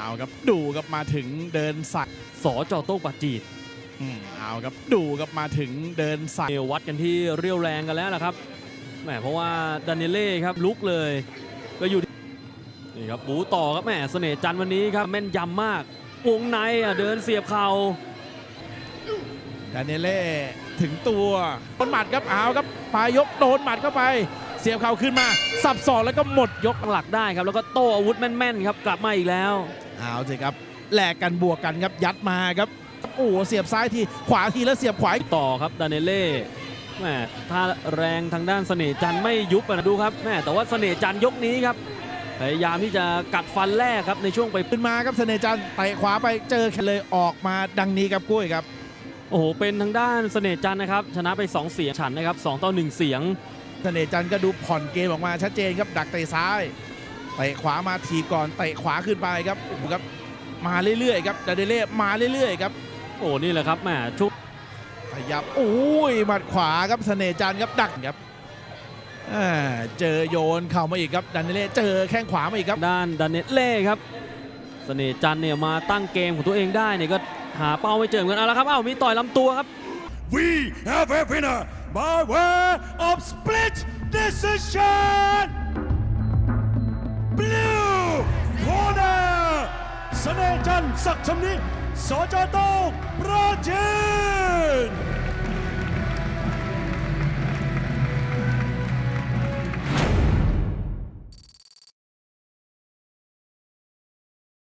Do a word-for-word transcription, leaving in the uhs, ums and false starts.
เอาครับดูครับมาถึงเดินใส่สจโต้งปาจีดอืมเอาครับดูครับมาถึงเดินใส่เอวัดกันที่เรียวแรงกันแล้วนะครับแหมเพราะว่าดานิเล่ครับลุกเลยก็อยู่นี่ครับบูต่อครับแหมเสน่ห์จันทร์วันนี้ครับแม่นยำมากวงในอ่ะเดินเสียบเข่าดานิเล่ถึงตัวโดนหมัดครับเอาครับปลายยกโดนหมัดเข้าไปเสียบเข่าขึ้นมาสับศอกแล้วก็หมดยกตั้งหลักได้ครับแล้วก็โต้อาวุธแม่นๆครับกลับมาอีกแล้วเอาสิครับแลกกันบวกกันครับยัดมาครับโอ้เสียบซ้ายทีขวาทีแล้วเสียบขวาต่อครับดานิเล่แหมถ้าแรงทางด้านเสน่ห์จันทร์ไม่ยุบนะดูครับแหมแต่ว่าเสน่ห์จันทร์ยกนี้ครับพยายามที่จะกัดฟันแรกครับในช่วงไปขึ้นมาครับเสน่ห์จันทร์เตะขวาไปเจอแค่เลยออกมาดังนี้ครับกุ้ยครับโอ้โหเป็นทางด้านเสน่ห์จันทร์นะครับชนะไปสองเสียงฉันนะครับสองต่อหนึ่งเสียงเสน่ห์จันทร์ก็ดูผ่อนเกมออกมาชัดเจนครับดักเตะซ้ายเตะขวามาทีก่อนเตะขวาขึ้นไปครับโอ้โหครับมาเรื่อยๆครับดาเดเล่มาเรื่อยๆครับโอ้นี่แหละครับแหมชุบขยับโอ้ยหมัดขวาครับเสน่ห์จันทร์ครับดักครับอ่าเจอโยนเข่ามาอีกครับดาเดเล่เจอแข้งขวามาอีกครับด้านดานิเล่ครับเสน่ห์จันทร์เนี่ยมาตั้งเกมของตัวเองได้เนี่ยก็หาเป้าไม่เจอเหมือนกันเอาละครับเอ้ามีต่อยลำตัวครับ We have a winner by way of split decision. Blue corner เสน่ห์จันทร์ศักดิ์ชำนิสจโต้ง